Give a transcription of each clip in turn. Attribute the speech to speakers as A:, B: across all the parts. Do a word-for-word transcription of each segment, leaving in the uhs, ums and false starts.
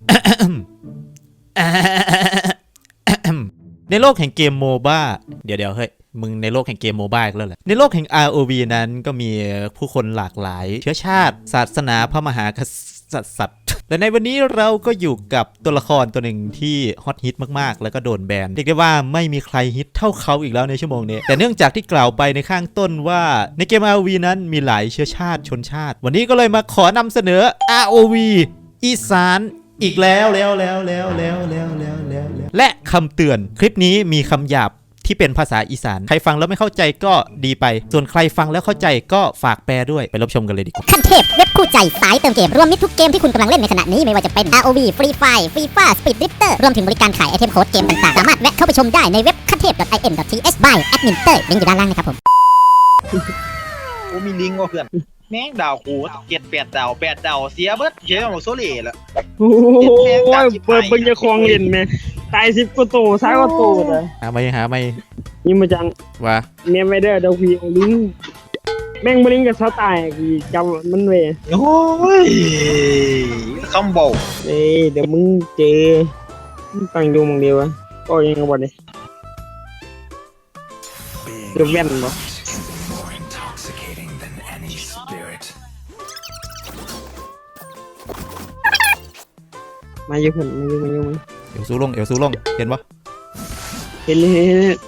A: ในโลกแห่งเกมโมบ้าเดี๋ยวเดี๋ยวเฮ้ยมึงในโลกแห่งเกมโมบ้าแล้วแหละในโลกแห่ง อาร์ โอ วี นั้นก็มีผู้คนหลากหลายเชื้อชาติศาสนาพระมหากษัตริย์และในวันนี้เราก็อยู่กับตัวละครตัวหนึ่งที่ฮอตฮิตมากๆแล้วก็โดนแบนเรียกได้ว่าไม่มีใครฮิตเท่าเขาอีกแล้วในชั่วโมงนี้แต่เนื่องจากที่กล่าวไปในข้างต้นว่าในเกม อาร์ โอ วี นั้นมีหลายเชื้อชาติชนชาติวันนี้ก็เลยมาขอนำเสนอ อาร์ โอ วี อีสานอีกแล้วแล้วแล้วแล้วแล้วแล้วแล้วแล้วและคำเตือนคลิปนี้มีคำหยาบที่เป็นภาษาอีสานใครฟังแล้วไม่เข้าใจก็ดีไปส่วนใครฟังแล้วเข้าใจก็ฝากแปลด้วยไปรับชมกันเลยดีกว่า
B: ขั้นเทพเว็บคู่ใจสายเติมเกมรวมมิตรทุกเกมที่คุณกำลังเล่นในขณะนี้ไม่ว่าจะเป็น อาร์ โอ วี Free Fire Free Fire Speed Drifter รวมถึงบริการขายไอเทมโค้ดเกมต่างๆสามารถแวะเข้าไปชมได้ในเว็บขั้นเทพ .in.th by แอดมินเตอร์ลิงก์อยู่ด้านล่างนะครับผม
C: โอ้มีลิงก์ว่ะเพื่อนแม่งดาวคูเจ็ดแปดดาวแปดดาวเสียเบิดเยอะของโซเล่ละ
D: โอ้ยเปิดเบิ่งจะคลองเล่นไหมตายสิบกว่าตัวซ้ายกว่าตัวเลย
A: หาไม่หาไม่
D: นี่มาจัง
A: ว่า
D: เมียไม่ได้ดาวพีเอาลิงแม่งบลิงกับเสาตายกี่จำมันเว้ย
C: โอ้ยคำบอก
D: เอ้ยเดี๋ยวมึงเจอตั้งดูมึงเดียวอะก็ยังไงบ่เนี่ยเดี๋ยวแว่นบ่มาอยู่เพิ่นมาอยู่มาอยู่มา
A: เอวสู้ลงเอวสู้ลงเห็นปะ
D: เห็นเลยเห็นเลย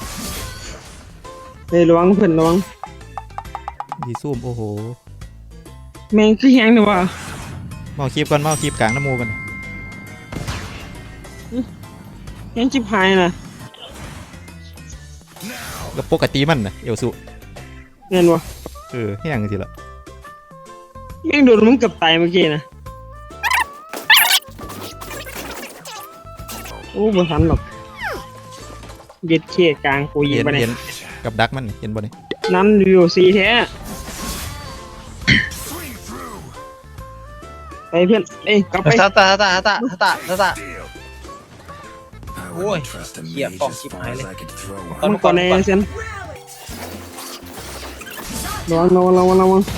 D: เฮ้ยระวังเพิ่นระวัง
A: ดีซูมโอ้โห
D: แม่งคือแห้งเนี่ยวะ
A: เมาคีบก่อนเมาคีบกลางน้ำมูกัน
D: แห้งชิบหายนะ
A: ก็ปกติมันนะเอวสู้
D: เงินวะ
A: เออแห้งสิละ
D: แม่งโดนมึงกับตายเมื่อกี้นะโอ้บ่ทันหรอกเย็ดเขี้ยกลางกูยิงไปเนี่ย
A: กับดักมันเห็นบ่เนี่ย
D: นั่นวิวซีแท้ไปเพื่อนเอ้ยกลับไป
C: ตาตาตาตาตาตาตาโอ้ยเหี้ยฟองชิบหายเลย
D: มันก่อนในเซนระวังระวังระวังระวัง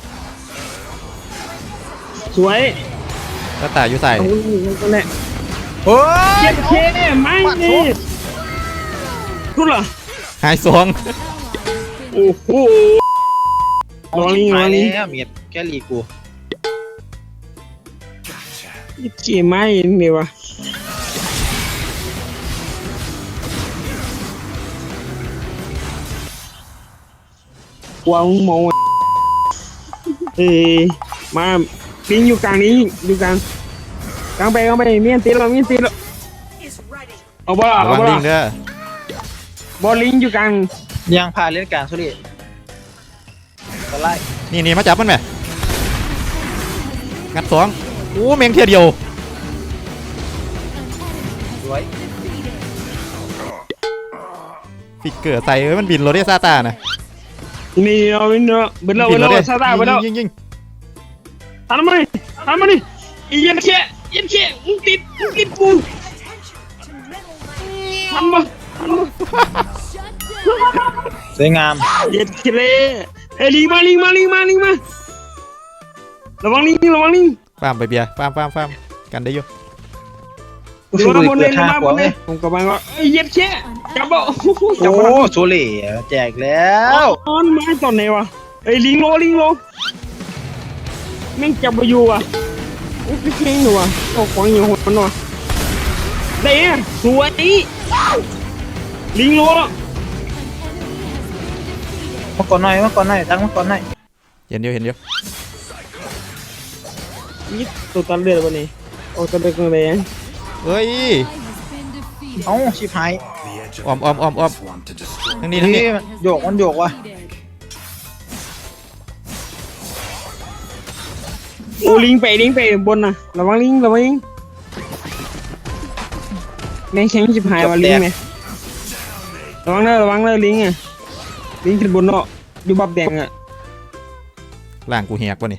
D: สวย
A: ตาตาอยู่ใส่
C: โอ้
D: ยเจ็บเคไม่นี่รู้เหรอ
A: หายสอง
D: โอ้โห
C: ลองลิงลองลิงเมียแกลีกู
D: เจ็บไม่เนี่ยวะวางมองเอ้ยมาลิงอยู่กลางนี้อยู่กลางกลางไปกลางไปเมียนตีเราเมียนตีเราเอาบ่เอาบ่
A: ลิงเด้
D: อบอลลิงอยู่กลาง
C: ยังพาเล่นกลางสุริตะไล
A: นี่นี่มาจับมันไหมงัดสองโอ้เมงเทียเดียว
C: สวย
A: ฟิกเกอร์ใส่มันบินโรเดซาตานะ
D: นี่เราบินเราบินเราบินเราซาตาบินเรา
A: ยิงยิง
D: ทำมาดิทำมาดิอีเย็นเชี่ยเย็นเชี่ยมึงติดมึงติดกูทำมาทำมา
C: สวยงาม
D: เย็ดเคเลยเฮ้ยลิงมาลิงมาลิงมาลิงมาระวังลิงระวังลิง
A: ฟาร์มไปเบียร์ฟาร์มฟาร์มฟาร์มกันได้อยู่
D: ระวังบนเลยระวังบนเลยผมกำลังว่าเย็ดแค่จับบ่
C: โอ้โซเล่แจกแล้ว
D: ตอนไม้ตอนไหนวะเฮ้ยลิงโลลิงโลแม่งจับมาอยู่อ่ะโอ้ยเก่งอยู่อ่ะโอ้ขวางอยู่หัวมันว่ะเด้สวยลิงโล
C: มาก่อนหน่อยมาก่อนหน่อยตั้งมาก่อนหน่อย
A: เห็นเดียวเห็นเดียว
D: นี่ตัวตันเลือดวันนี้โอ้ตัวเด็กเลย
A: เฮ้ย
C: เอ้าชิบหาย
A: ออมออมออมออมทั้งนี้ทั้งนี้
C: โยกมันโยกว่ะ
D: โอ้ลิงไปลิงไปบนน่ะระวังลิงระวังลิงแม่งแข็งชิบหายว่ะลิงไงระวังเลยระวังเลยลิงไงลิงขึ้นบนเนาะอยู่บับแดงอ่ะ
A: ล่างกูแหกวะนี่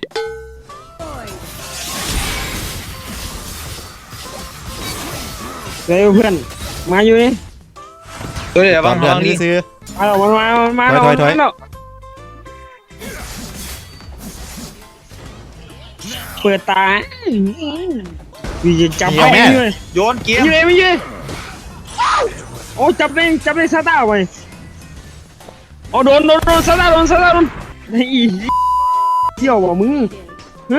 D: เร็วเพื่อนมาอยู่นี่
C: เดี๋ยวบาง
A: เดือนนี้ซื้อ
D: มาแล้วมามามา
A: ถอยถอย
D: เปิดตาพี่จะจับ
A: เดี๋ยวแม่
D: ไปเลย
C: โยนเกม
D: ไม่เลยไม่เลยโอ้จับได้จับได้ซาต้าไปโอ้โดนโดนโดนซาต้าโดนซาต้าโดนไอ้อีเที่ยวบ่มึงฮะ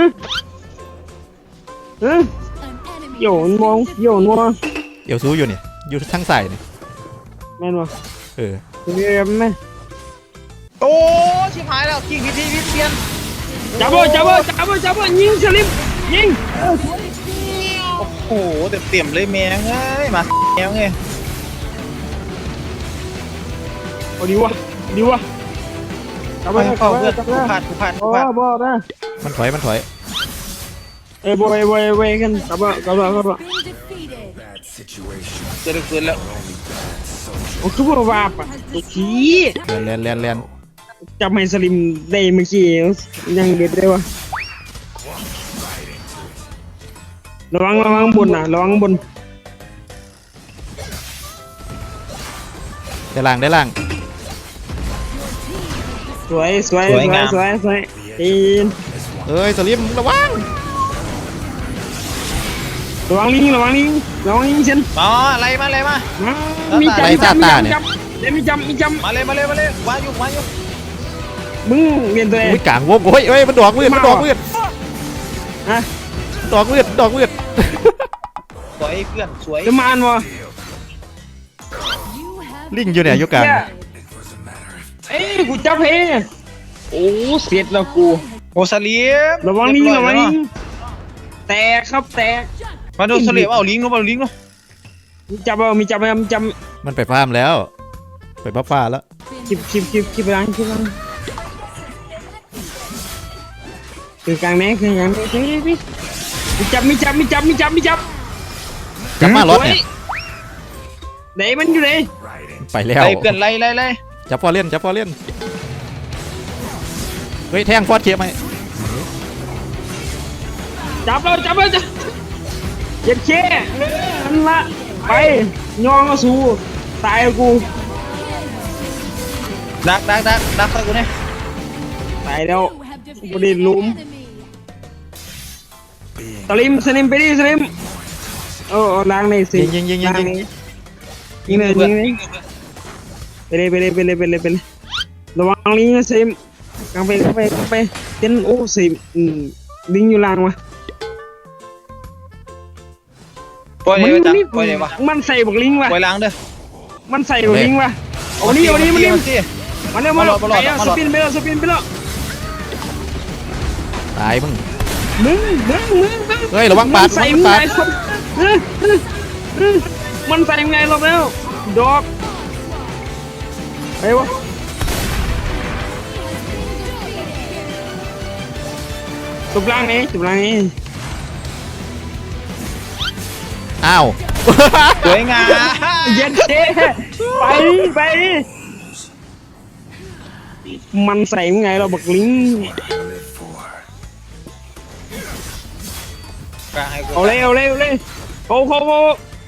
D: ฮะเที่ยวมันมองเที่ยวมันมอง
A: เดี๋ยวซูอยู่เนี่ยอยู่ทั้งใส่เนี่ย
D: แม่นบ่
A: เออ
D: เรียบไหม
C: โอ้ชิบหายแล้วกิ้งพิธีวิเปลี่ยน
D: จับบ่จับบ่จับบ่จับบ่ยิงสลิมยิง
C: โอ้โหเต็มเต็มเลยแมงเอ้ยมาแมงเอ้ย
D: โอ้ดีวะดีวะจับ
C: ไป
D: บ่
C: เข้า
D: จับบ่
C: เพื่อน
D: จับ
C: กู
D: บ่
C: พลาดกูพลาดกู
D: โอ้
C: พลาด
D: บ่นะ
A: มันถอยมันถอย
D: เอ้ยบ่เอ้ยบ่เอ้ยบ่เอ้ยกันจับบ่จับบ่จับบ่
C: เกิดเกิดแล้ว
D: โอ้คือบ่ว่าปะตัวขี้
A: แลนแลนแลน
D: จับให้สลิมได้เมื่อกี้ยังเด็ดเลยวะระวังระวังบนนะระวังบน
A: ได้ล่างได้ล่าง
D: สวยสวยสวยสวยสวยตีน
A: เอ้ยสลิมระวัง
D: ระวังลิงระวังลิงระวังลิงเช่น
C: มาอะไรมาอะไรมา
D: มีจำมีจำมีจำมีจำมีจำ
C: มาเลยมาเลยมาเลยวางอยู่วางอยู่
D: มึงเรียนตัวเอง
A: อุ้ยกลางวงโอ้ยเอ้ยมันดอกมืดมันดอกมืด
D: ฮะ
A: ดอกมืดดอกมืด
C: สวยเพื่อนสวย
D: จะมานวะ
A: ลิงอยู่เนี่ยอยู่กลาง
D: เอ้ยกูจับเฮโอ้เสร็จแล้วกู
C: โอซาเลียม
D: ระวังลิงระวังลิงแตกครับแตก
C: มาดูซาเลียมเอาลิงนู้นเอาลิงนู้น
D: มีจับเอามีจับเอามีจับ
A: มันไปฟาร์มแล้ว ไปบ้าฟ้าแล้ว
D: คลิปคลิปคลิปคลิปล้างคลิปล้างคือกลางแม่คือกลางแม่คือพี่มีจับมีจับมีจับมีจับมีจับ
A: กลับมารถเนี่ย
D: ไหนมันอยู่ไหน
A: ไปแล้ว
C: ไล่เพื่อนไล่ไล่ไล่
A: จับฟอร์เล่นจับฟอร์เล่นเฮ้ยแทงฟอร์เคไหม
D: จับเราจับเราจับเจ็บแค่นั่นละไปย่องก็สู้ตายกู
C: ดักดักดักดักใส่กูเนี่ย
D: ตายแล้วบริลุมสลิมสลิมไปดิสลิมโอ้ล้างในสิ
A: ยิงยิงยิงยิงยิง
D: ยิงเลยยิงเลยไปเลยไปเลยไปเลยไปเลยไปเลยระวังลิงนะสลิมกางไปกางไปกางไปเต้นโอ้สลิมลิงอยู่ล่างวะ
C: ปล่อยเลยจ้ะปล่อยเลยวะ
D: มันใส่บักลิงวะ
C: ปล่อยล้างเด้อ
D: มันใส่บักลิงวะโอ้นี่โอ้นี่มันลิง
C: สิ
D: มาเร็วมาเร็วไปแล้วสปินไปแล้วสปินไปแล้ว
A: ตายมึง
D: มึงมึงมึงมึง
A: เฮ้ยระวังปาด
D: ใส่
A: ระวัง
D: มึง
A: ปาด
D: ไงคนมันใส่มึงไงรอบแล้วดอกไอ้วะตุบล่างนี้ตุบล่างนี้
A: อ้าว
C: สวยงาม
D: เย็นเจ๊ไปไปมันใส่มึงไงเราบักลิง
C: กลางให้กู
D: เอาเลยเอาเลยเอาเลยเขาเขาเขา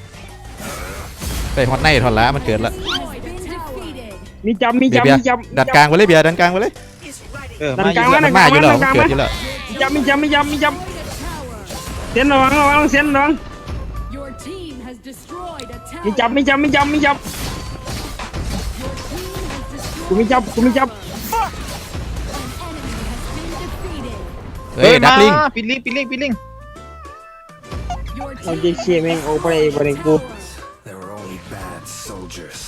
A: ไปฮอตไนท์ทอนละมันเกิดละ
D: มีจำมี
A: เบียร์
D: จำ
A: เบีย
D: มี
A: ร์
D: จำ
A: ดันกลางไปเลยเบียร์ดันกลางไปเลย
C: เออ
D: ดั
C: มาน
D: กลาง
C: อยู่
D: ไว้
A: มันมาอยู่แล้วมันเกิดอยู่แล้ว
D: มีจำมีจำมีจำมีจำเส้นระวังระวังเส้นระวัง
E: Your team has destroyed a
D: มี
E: tower.
D: จับมีจับมีจับมีจับ
E: Your team has destroyed
D: กูมีจับกูมีจับ
E: an enemy has been defeated.
A: เฮ้ยดักลิง
C: ปิดลิงปิดลิงปิดลิง
E: Your
D: เรา
E: team
D: จะเชี่ยแม่งโอ้ไปเลยไปเลยกู
F: They were only bad soldiers.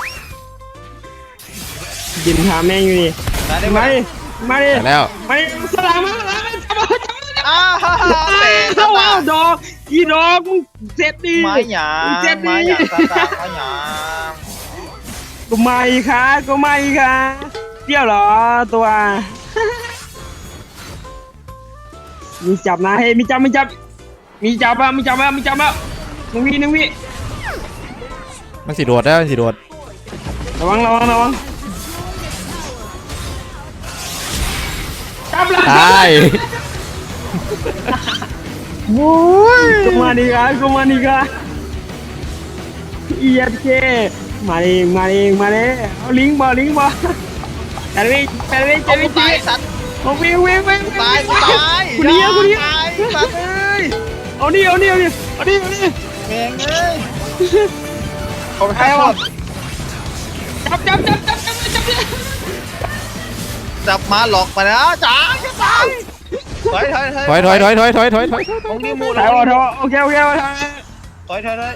D: ยินถามแม่งอยู่ดิ
C: ได้ได้ไหม
D: มาดิมาดิ
A: ไปแล้ว
D: มาดิสลามมาสลามจับมาจับมาจับ
C: อ้าวฮ่าฮ่า
D: มา
C: แต่
D: เข้าเอาดอกอีดอกมึงเสร็จดี
C: ไม้หยา
D: มึงเสร็จ
C: ไม้
D: ดี
C: หยาตาตาไม้หยา
D: กูไม่ค่ะกูไม่ค่ะเที่ยวเหรอตัวมีจับนะเฮ้ยมีจับมีจับมีจับอ่ะมีจับอ่ะมีจับอ่ะหนึ่งวิหนึ่งวิ
A: มันสีโดดแล้วมันสีโดด
D: ระวังระวังระวังจับละ
A: ตาย
D: โอ้ยกูมาดีกันกูมาดีกันเอียดเคมาเองมาเองมาเลยเอาลิงก์มาลิงก์มาแต่ไม่แต่ไม่
C: เอา
D: แต่
C: กู
D: ไม่
C: ตายสัตว์
D: เอาวิ่งวิ่งวิ่ง
C: ตายกูตาย
D: กูเนี้ยกูเนี้ย
C: ตายสัตว์เอ้ย
D: เอานี่เอานี่เอานี่เอาดิเอาดิ
C: แม่งเอ้ยเขาไปให้วะ
D: จับจับจับจับจับจับจับ
C: จับมาหลอกมาแล้วจ๋าจะตายถอยถอย
A: ถอยถอยถอยถอยถอยถอยถอย
C: ตรงนี้มู
D: ถ่ายว่าถ่ายว่าโอเคโอเคโอเค
C: ถอยถอยถอย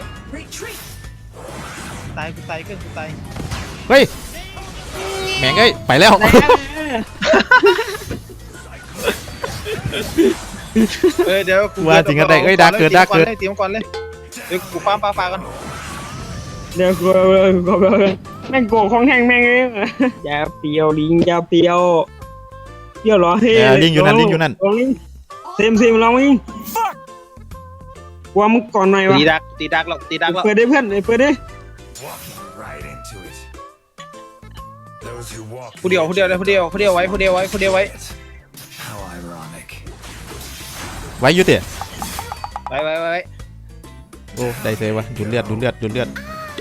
C: ตายกูตายเกินกูตาย
A: เฮ้ยแม่งเอ้ยไปแล้ว
C: เออเดี๋ยวกู
A: ว่าจริงกันได้เอ้ยดาร์กเกิดดาร์กเกิด
C: เตรียมก่อนเลยเดี๋ยวกูฟาร์มปลาฟากัน
D: เดี๋ยวกูกูแม่งโกงของแห้งแม่งเองอย่าเปียวลิงอย่าเปียวเปียวเหรอเฮ้ยลิงเซมเซมลองมึงกลัวมึงก่อนหน่อยวะ
C: ตีดักตีดักหรอกตีดักหรอก
D: เปิดได้เพื่อนเปิดได้
F: Walking right into it. Those who walk
C: ผู้เดียวผู้เดียวเลยผู้เดียวผู้เดียวไว้ผู้เดียวไว้ผู้เดียวไว้
F: How ironic.
A: ไว้อยุติ
C: ไว้ไว้ไว้
A: โอ้ได้เซวะดูเลือดดูเลือดดูเลือด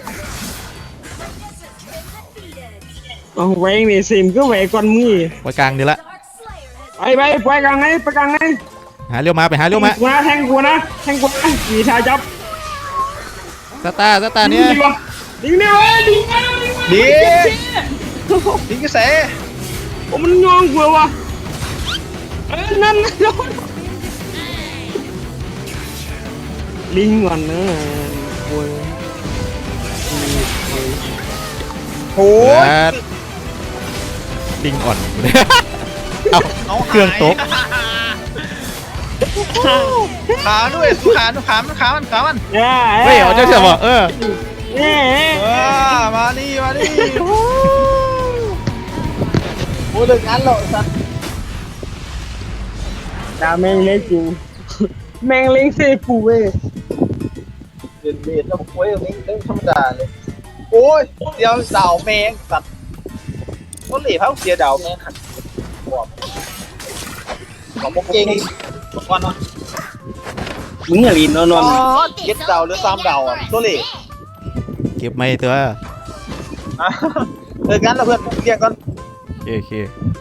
D: เอาไว้เนี่ยเซมก็ไว้ก่อนมือ
A: ไว้กลางเดี๋ยวละ
D: ไปไปไปกลางไงไปกลางไง
A: หาเลี้ยวมาไปหาเลี้ยวมา
D: กูนะแทงกูนะแทงกูนะมีชายจับ
A: สตาร์สตาร์เนี่ย
D: ดิวะดิงเนี่ยดิงเนี่ยดิง
C: ดีดีกระแส
D: โอ้มันยองกูวะเอ้นั่นลิงก่อนนะโอ้ย
C: โอ้
A: เลือดลิงอ่อนเอา
C: เอา
A: เครื่องตก
C: ขาด้วยสู้ขาดูขามันขามันขามัน
A: เฮ้ยเอาเจ้าเสือบ่เออ
D: เอ๊ะ
C: เออมานี่มานี่โอ้เลิกงานแล้วสัตว์
D: ดาแมงเล็กกูแมงเล็กเซกูเว้ย
C: เดือดเดือดแล้วโอ้ยตรงนี้เรื่องธรรมดาเลยโอ้ยเดี๋ยวดาวแมงสัตว์ก็เหลี่ยมเสียดาวแมงขัดบอกของพวกเก่งบอกก่อนเนาะ
D: มึงอย่าลีนนอนนอน
C: เย็ดดาวหรือสามดาวอ่ะตัวเหลี่ย
A: เก็บไม่ตัว
C: อ่ะเลิกงานแล้วเพื่อนเรียกก่อน
A: โอเคโอเค